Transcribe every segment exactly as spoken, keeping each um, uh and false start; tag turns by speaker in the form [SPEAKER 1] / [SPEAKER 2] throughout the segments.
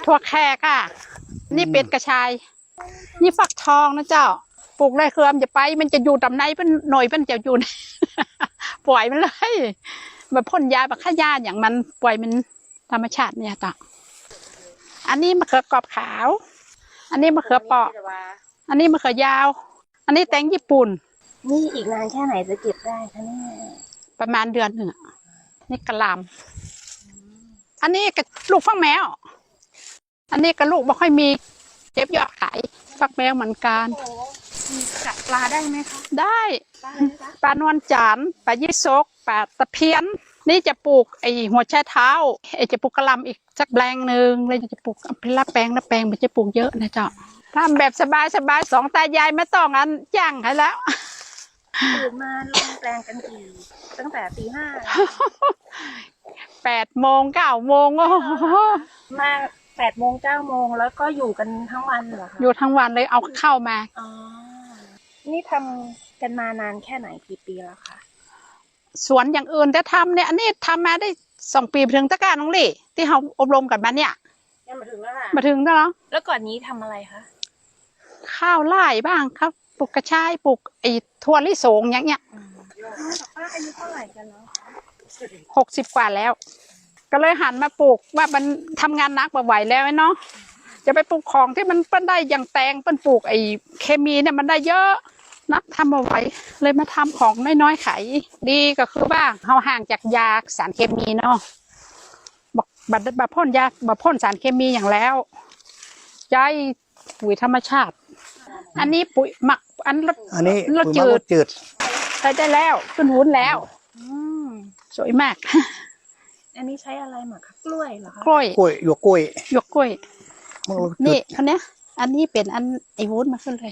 [SPEAKER 1] ถั่วแขกอ่ะนี่เป็ดกระชายนี่ฟักทองนะเจ้าปลูกได้เครือมจะไปมันจะอยู่ตำไหนเป็นหน่อยเป็นจะอยู่ ปล่อยมันเลยแบบพ่นยาแบบฆ่าหญ้าอย่างมันปล่อยมันธรรมชาติเนี่ยต่ออันนี้มะเขือกรอบขาวอันนี้มะเขือเปราะอันนี้มะเขือยาว อันนี้แตงญี่ปุ่น
[SPEAKER 2] นี่อีกนานแค่ไหนจะเก็บได้คะเนี่ย
[SPEAKER 1] ประมาณเดือนหนึ่งนี่กระลำอันนี้กระลูกฟักแมวอันนี้กระลูกไม่ค่อยมีเจ็บยอดขายฟักแมวเหมือนกัน
[SPEAKER 2] กัดปลาได้ไหมคะ
[SPEAKER 1] ได้ปลานวลจันทร์ปลายี่สกปลาตะเพียนนี่จะปลูกไอหัวแช่เท้าไอจะปลูกกระลำอีกสักแปลงหนึ่งเลยจะปลูกเป็นละแปลงละแปลงมันจะปลูกเยอะนะเจ้าทำแบบสบายสบายสองตายายไม่ต้องอันย่างให้แล้ว
[SPEAKER 2] ตื่นมาลงแปลงกันกี่ตั้งแต่ตีห้า
[SPEAKER 1] แปดโมงเก้าโมงโอ้
[SPEAKER 2] มาแปดโมงเก้าโมงแล้วก็อยู่กันทั้งวันเหรอคะ
[SPEAKER 1] อยู่ทั้งวันเลยเอาเข้ามา
[SPEAKER 2] อ๋อนี่ทำกันมานานแค่ไหนกี่ปีแล้วคะ
[SPEAKER 1] สวนอย่างอื่นแต่ทำเนี่ยอันนี้ทำมาได้สองปีถึงตะการน้องลี่ที่เราอบรมกันมาเนี่ย
[SPEAKER 2] มาถึงแล้วค่ะ
[SPEAKER 1] มาถึงแล้ว
[SPEAKER 2] แล้วก่อนนี้ทำอะไรคะ
[SPEAKER 1] ข้าวไร่บ้างครับปลูกกระชายปลูกไอ้ถั่วลิสงอย่างเงี้ย
[SPEAKER 2] ป้าอายุเท่าไหร่กันแล้ว
[SPEAKER 1] หกสิบกว่าแล้วก็เลยหันมาปลูกว่ามันทำงานนักมาไหวแล้วเนาะจะไปปลูกของที่มันเปิ้นได้อย่างแตงเปิ้นปลูกไอ้เคมีเนี่ยมันได้เยอะนักทำมาไหวเลยมาทำของน้อยๆขายดีก็คือว่าเราห่างจากยาสารเคมีเนาะบอกบัดบัดพ่นยาบัดพ่นสารเคมีอย่างแล้วใจปุ๋ยธรรมชาติอันนี้ปุ๋ยหมักอันรส
[SPEAKER 3] อันนี้
[SPEAKER 1] รสจืด
[SPEAKER 3] จืด
[SPEAKER 1] ใช้ได้แล้วขึ้นวุ้นแล้วสวยมาก
[SPEAKER 2] อันนี้ใช้อะไรหมักคะกล้วยเหรอคะ
[SPEAKER 1] กล้วย
[SPEAKER 3] กล้วยหยวกกล้วย
[SPEAKER 1] หยวกกล้วยนี่เขาเนี้ยอันนี้เป็นอันไอวุ้นมาขึ้นเลย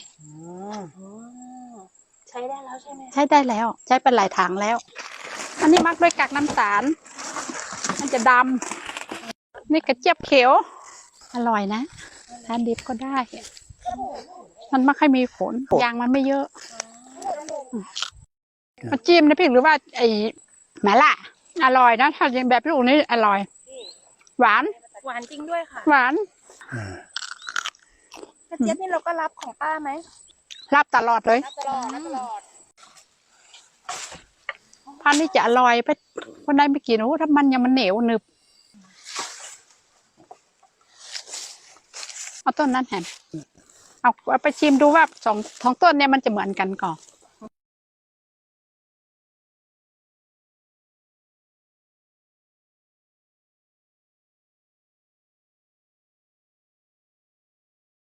[SPEAKER 2] ใช้ได้แล้วใช่ไหม
[SPEAKER 1] ใช้ได้แล้วใช้เป็นหลายถังแล้วอันนี้มักด้วยกากน้ำตาลมันจะดำนี่กระเจี๊ยบเขียวอร่อยนะทานดิบก็ได้มันไม่ค่อยมีผลยางมันไม่เยอะมาจิ้มนะพี่หรือว่าไอหมาล่าอร่อยนะถ้าอย่างแบบลูกนี้อร่อยหวาน
[SPEAKER 2] หวานจริงด้วยค่ะ
[SPEAKER 1] หวาน
[SPEAKER 2] กระเจี๊ยบนี่เราก็รับของป้าไหม
[SPEAKER 1] รับตลอดเลย
[SPEAKER 2] รับตลอดรับตลอด
[SPEAKER 1] พันนี้จะอร่อยไปคนใดไม่กินโอ้ถ้ามันยังมันเหนียวหนึบเอาต้นนั้นแหนเอาไปชิมดูว่าสองสองต้นเนี่ยมันจะเหมือนกันก่อน